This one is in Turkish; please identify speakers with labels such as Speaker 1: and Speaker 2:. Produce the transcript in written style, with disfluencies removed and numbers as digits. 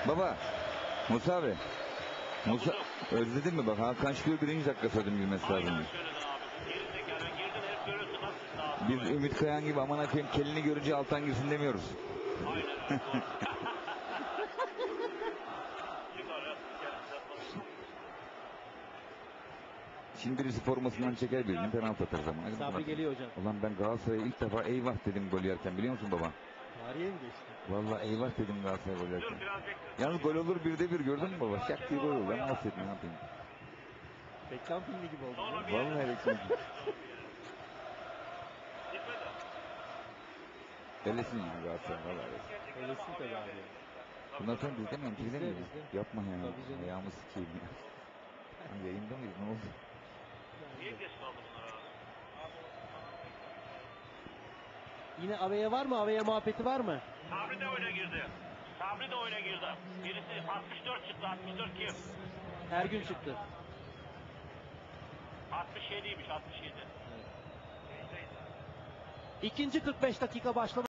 Speaker 1: Baba, Musa abi. Musa, özledin mi bak? Hakan Şükür 1. dakika söyledim girmesi lazım.
Speaker 2: Aynen söyledin abi. Gerizekalı girdin hep görüyorsun nasıl
Speaker 1: Biz Ümit Kayan gibi aman akıyım kelini görünce alttan girsin demiyoruz.
Speaker 2: Aynen öyle. Çıkar
Speaker 1: Şimdi birisi formasından çeker birinin penaltı atar zaman.
Speaker 3: Sabri geliyor hocam.
Speaker 1: Ulan ben Galatasaray'a ilk defa eyvah dedim gol yerken biliyor musun baba?
Speaker 3: Tarihe mi geçti?
Speaker 1: Vallahi eyvah dedim Galatasaray gol yerken.
Speaker 2: Dur biraz bekle.
Speaker 1: Yalnız gol olur 1'de 1 gördün mü baba? Şak diye gol olur. Ben affet ne yapayım?
Speaker 3: Reklam filmi gibi oldu.
Speaker 2: Sonra bir
Speaker 1: Vallahi reklam. Öylesin gibi Galatasaray vallahi.
Speaker 3: Öylesin tabii abi.
Speaker 1: Bundan sonra bizde mi? Bizde mi?
Speaker 3: Bizde.
Speaker 1: Yapma ya.
Speaker 3: Tabii canım.
Speaker 1: Ayağımı sikeyim ya. Hani yayında mıyız? Ne oldu?
Speaker 2: Niye geç kaldı bunlar abi?
Speaker 3: Yine Ave'ye var mı? Ave'ye muhabbeti var mı?
Speaker 2: Sabri de oyuna girdi. Sabri de oyuna girdi. Birisi 64 çıktı. 64 kim?
Speaker 3: Ergün çıktı.
Speaker 2: 67'ymiş 67.
Speaker 3: İkinci 45 dakika başladı.